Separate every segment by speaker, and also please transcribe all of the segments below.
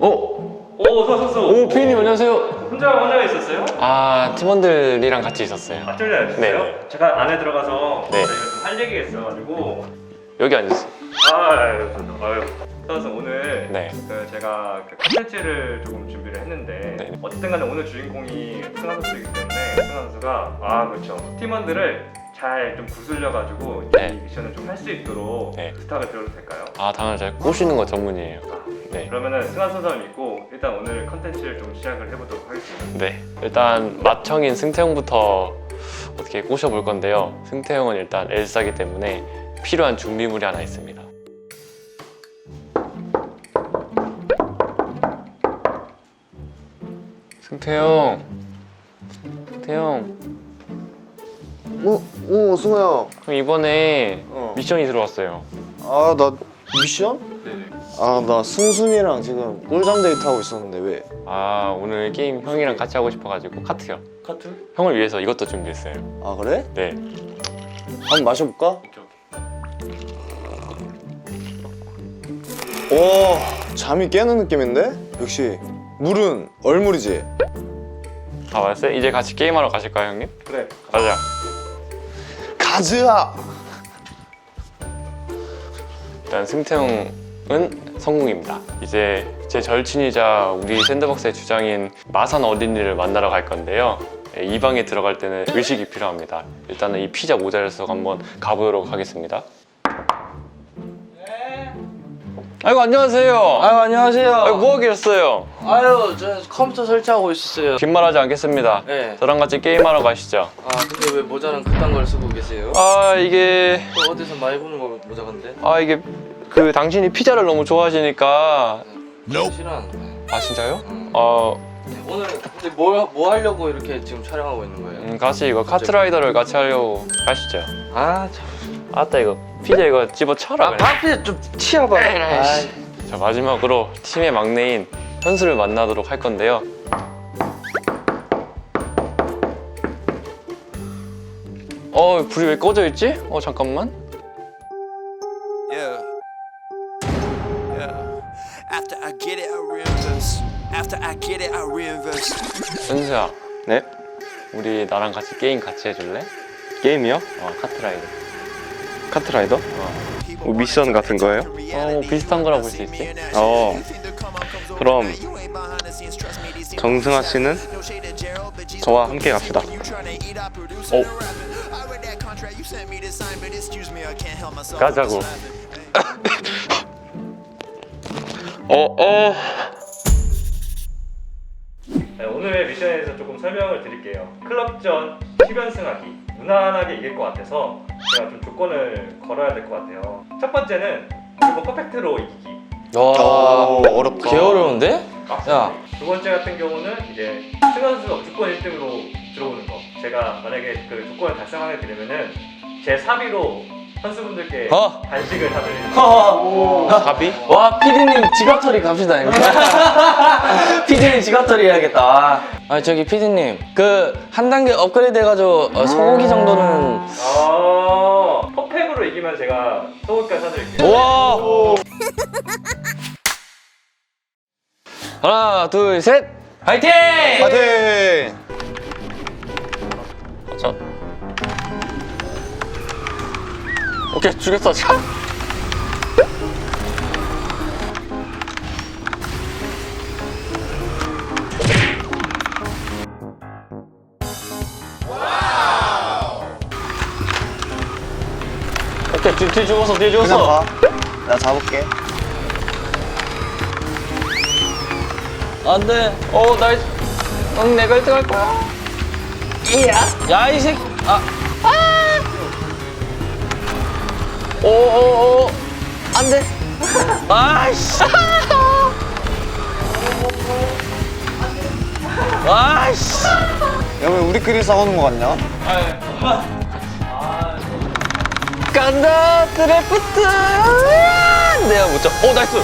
Speaker 1: 어서.
Speaker 2: 오, 피디님 안녕하세요.
Speaker 1: 혼자 있었어요?
Speaker 2: 아, 팀원들이랑 같이 있었어요.
Speaker 1: 팀원이랑 있었어요?
Speaker 2: 네.
Speaker 1: 제가 안에 들어가서
Speaker 2: 네.
Speaker 1: 저희가 좀 할 얘기가 있어가지고.
Speaker 2: 여기 앉으세요.
Speaker 1: 아유. 그래서 오늘
Speaker 2: 네.
Speaker 1: 제가 콘텐츠를 조금 준비를 했는데
Speaker 2: 네.
Speaker 1: 어쨌든 간에 오늘 주인공이 승환 선수이기 때문에 승환 선수가 그렇죠. 팀원들을 잘 좀 구슬려가지고
Speaker 2: 네.
Speaker 1: 이 미션을 좀 할 수 있도록
Speaker 2: 네.
Speaker 1: 부탁을 드려도 될까요?
Speaker 2: 아, 당연히 제가 꼬시는 거 전문이에요. 네.
Speaker 1: 그러면은 승환 선수를 믿고 일단 오늘 컨텐츠를 좀 시작을 해보도록 하겠습니다.
Speaker 2: 네. 일단 맏형인 승태형부터 어떻게 꼬셔볼 건데요. 승태형은 일단 엘사기 때문에 필요한 준비물이 하나 있습니다. 승태형.
Speaker 3: 승우야.
Speaker 2: 형 이번에
Speaker 3: 어.
Speaker 2: 미션이 들어왔어요.
Speaker 3: 아, 나 미션?
Speaker 2: 네네.
Speaker 3: 아, 나 승순이랑 지금 꿀잠 데이트하고 있었는데 왜?
Speaker 2: 아, 오늘 게임 형이랑 같이 하고 싶어가지고 카트요.
Speaker 1: 카트?
Speaker 2: 형을 위해서 이것도 준비했어요.
Speaker 3: 아, 그래?
Speaker 2: 네.
Speaker 3: 한번 마셔볼까? 오, 잠이 깨는 느낌인데? 역시 물은 얼물이지?
Speaker 2: 아, 맞았어요? 이제 같이 게임하러 가실까요, 형님?
Speaker 1: 그래.
Speaker 2: 가자.
Speaker 3: 가즈아!
Speaker 2: 일단 승태형은 성공입니다. 이제 제 절친이자 우리 샌드박스의 주장인 마산 어린이를 만나러 갈 건데요. 이 방에 들어갈 때는 의식이 필요합니다. 일단은 이 피자 모자를 쓰고 한번 가보도록 하겠습니다. 아이고, 안녕하세요.
Speaker 4: 아유, 안녕하세요.
Speaker 2: 아이고, 뭐 하겠어요?
Speaker 4: 아유, 저 컴퓨터 설치하고 있었어요.
Speaker 2: 긴 말하지 않겠습니다.
Speaker 4: 네.
Speaker 2: 저랑 같이 게임하러 가시죠.
Speaker 4: 아, 근데 왜 모자는 그딴 걸 쓰고 계세요?
Speaker 2: 아, 이게
Speaker 4: 또 어디서 많이 보는 거 모자 건데?
Speaker 2: 그 당신이 피자를 너무 좋아하시니까.
Speaker 4: 실한.
Speaker 2: 아, 진짜요?
Speaker 4: 오늘 근데 뭐 하려고 이렇게 지금 촬영하고 있는 거예요?
Speaker 2: 같이 이거 카트라이더를 같이 하려고 가시죠.
Speaker 4: 아, 참.
Speaker 2: 아따, 이거 피자 이거 집어쳐라 그냥.
Speaker 4: 앞에 좀 치워봐. 아이.
Speaker 2: 자, 마지막으로 팀의 막내인 현수를 만나도록 할 건데요. 불이 왜 꺼져 있지? 잠깐만.
Speaker 5: Yeah. After I get it, I reinvest. After I get it, I reinvest.
Speaker 2: 현수야,
Speaker 6: 네?
Speaker 2: 우리 나랑 같이 게임 같이 해줄래?
Speaker 6: 게임이요?
Speaker 2: 카트라이더.
Speaker 6: 카트라이더? 뭐 미션 같은 거예요?
Speaker 2: 뭐 비슷한 거라 볼 수 있지?
Speaker 6: 그럼 정승아 씨는 저와 함께 갑시다.
Speaker 2: 가자고.
Speaker 1: 네, 오늘의 미션에 대해서 조금 설명을 드릴게요. 클럽전 10연승하기 무난하게 이길 것 같아서 제가 좀 조건을 걸어야 될 것 같아요. 첫 번째는 무조건 퍼펙트로 이기기.
Speaker 4: 와,
Speaker 3: 어렵다.
Speaker 4: 개 어려운데? 야.
Speaker 1: 두 번째 같은 경우는 이제 승환 선수가 무조건 1등으로 들어오는 거. 제가 만약에 그 조건을 달성하게 되면은 제 사비로 선수분들께 간식을 사드리는 거.
Speaker 2: 사비?
Speaker 4: 와, 피디님 지갑털이 갑시다. 피디님 지갑털이 해야겠다. 아, 저기 피디님, 그 한 단계 업그레이드 해가지고 소고기 정도는.
Speaker 1: 퍼펙으로 이기면 제가 소고기까지 사드릴게요.
Speaker 2: 와! 하나, 둘, 셋!
Speaker 4: 화이팅!
Speaker 3: 파이팅!
Speaker 2: 자. 오케이, 죽였어. 자. 오케이, 뒤 죽었어, 뒤에
Speaker 3: 그냥
Speaker 2: 죽었어.
Speaker 3: 가. 나 잡을게.
Speaker 4: 안 돼.
Speaker 2: 나이스. 응, 내가 1등 할 거야.
Speaker 4: 야, 이 새끼.
Speaker 2: 오오오.
Speaker 4: 안 돼. 아이씨. 아이씨.
Speaker 3: 야, 왜 우리끼리 싸우는 거 같냐?
Speaker 2: 간다, 드래프트. 내가 못 잡. 나이스.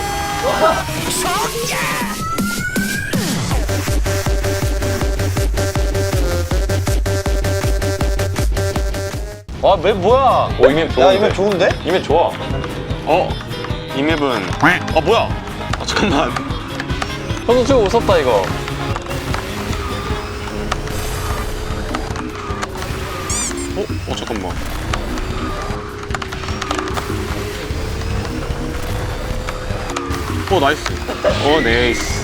Speaker 2: 맵 뭐야? 이 맵 좋은데?
Speaker 3: 야, 이거 좋은데?
Speaker 2: 이 맵 좋아.
Speaker 6: 이 맵은 뭐야? 잠깐만.
Speaker 2: 저도 지금 무섭다 이거.
Speaker 6: 잠깐만. 나이스. 네이스.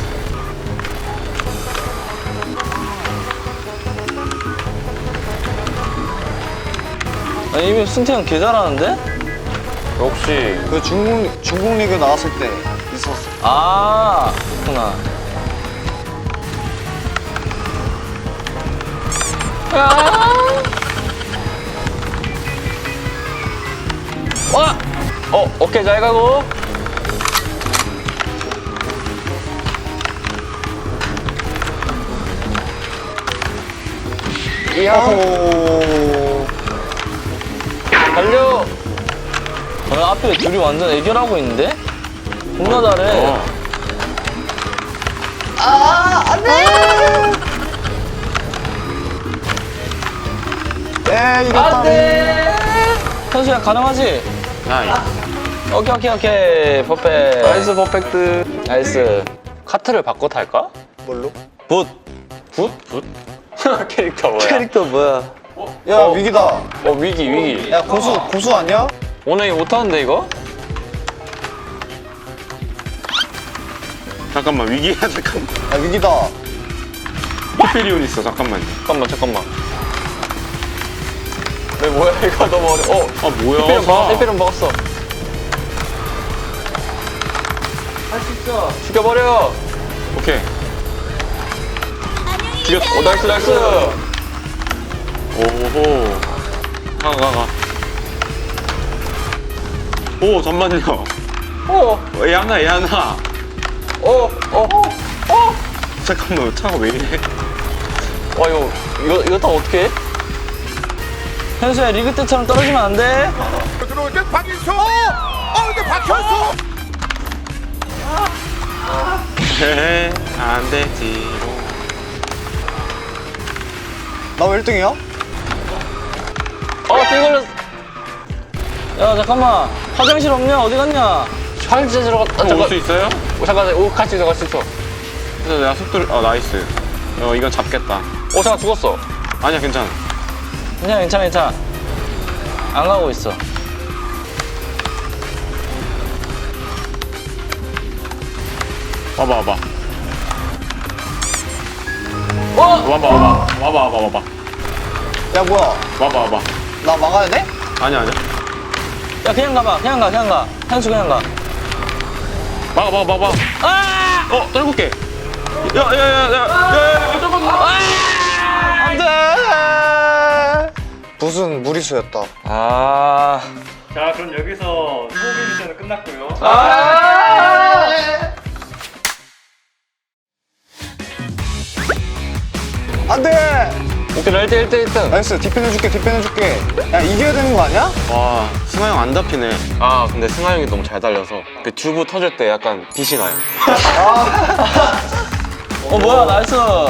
Speaker 4: 아니 이미 승태 형 개 잘하는데?
Speaker 2: 역시
Speaker 3: 그 중국 리그 나왔을 때 있었어.
Speaker 4: 아 그렇구나. 와! 오케이 잘 가고.
Speaker 3: 오.
Speaker 4: 달려! 앞에 둘이 완전 애결하고 있는데? 존나 잘해.
Speaker 3: 이겼다.
Speaker 4: 현수야 가능하지?
Speaker 6: 나이스.
Speaker 4: 오케이 퍼펙트.
Speaker 2: 나이스 퍼펙트.
Speaker 4: 나이스.
Speaker 2: 카트를 바꿔 탈까?
Speaker 3: 뭘로?
Speaker 4: 붓.
Speaker 2: 캐릭터 뭐야?
Speaker 4: 캐릭터 뭐야?
Speaker 3: 야 위기다.
Speaker 2: 위기.
Speaker 3: 야 고수 아니야?
Speaker 2: 오늘 이거 못하는데 이거?
Speaker 6: 잠깐만 위기야 잠깐만.
Speaker 3: 야 위기다.
Speaker 6: 히페리온 있어 잠깐만.
Speaker 2: 잠깐만. 왜 뭐야 이거 너무 어려.
Speaker 6: 뭐야?
Speaker 2: 에피론 먹었어.
Speaker 4: 할 수 있어.
Speaker 2: 죽여버려.
Speaker 6: 오케이.
Speaker 2: 죽였어. 나이스.
Speaker 6: 오호. 가. 오 잠만요. 얘 하나. 잠깐만 차가 왜 이래?
Speaker 2: 와 이거 다 어떻게 해?
Speaker 4: 현수야 리그 때처럼 떨어지면 안 돼.
Speaker 7: 들어올 때 박인수! 근데 박현수!
Speaker 6: 안 되지.
Speaker 3: 나 왜 1등이야?
Speaker 2: 띠 걸렸어.
Speaker 4: 야 잠깐만 화장실 없냐? 어디 갔냐?
Speaker 2: 화장실 들어갔다.
Speaker 6: 올 수 있어요?
Speaker 2: 잠깐. 같이 들어갈 수 있어.
Speaker 6: 그래서 내가 속도를 나이스. 이건 잡겠다.
Speaker 2: 잠깐 죽었어.
Speaker 6: 아니야 괜찮아.
Speaker 4: 괜찮아. 안 가고 있어.
Speaker 6: 와봐. 와봐.
Speaker 3: 야 뭐야?
Speaker 6: 와봐.
Speaker 3: 나 막아야 돼?
Speaker 6: 아니야.
Speaker 4: 야 그냥 가. 현수 그냥 가.
Speaker 6: 막아.
Speaker 4: 아!
Speaker 6: 떨굴게. 야.
Speaker 3: 안돼. 붓은 무리수였다.
Speaker 4: 아.
Speaker 1: 자, 그럼 여기서 소고기 미션은 끝났고요.
Speaker 3: 안돼.
Speaker 2: 오케이 1등.
Speaker 3: 나이스. 뒷편해줄게. 야 이겨야 되는 거 아니야?
Speaker 6: 와 승하 형 안 잡히네.
Speaker 2: 근데 승하 형이 너무 잘 달려서 그 튜브 터질 때 약간 빛이 나요.
Speaker 4: 뭐야 나이스.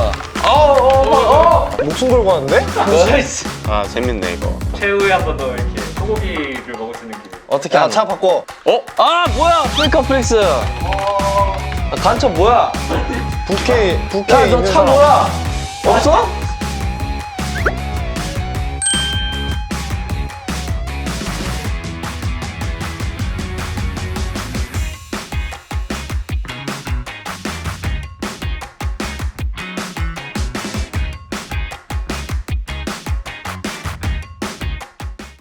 Speaker 3: 목숨 걸고 하는데?
Speaker 6: 재밌네 이거.
Speaker 1: 최후에 한 번 더 이렇게 소고기를 먹을 수 있는 기회.
Speaker 4: 어떻게
Speaker 3: 야
Speaker 4: 하냐?
Speaker 3: 차 바꿔.
Speaker 4: 아 뭐야 프리카 플렉스. 간첩 뭐야?
Speaker 3: 부캐
Speaker 4: 야 너
Speaker 3: 있는
Speaker 4: 차
Speaker 3: 사람.
Speaker 4: 뭐야? 없어?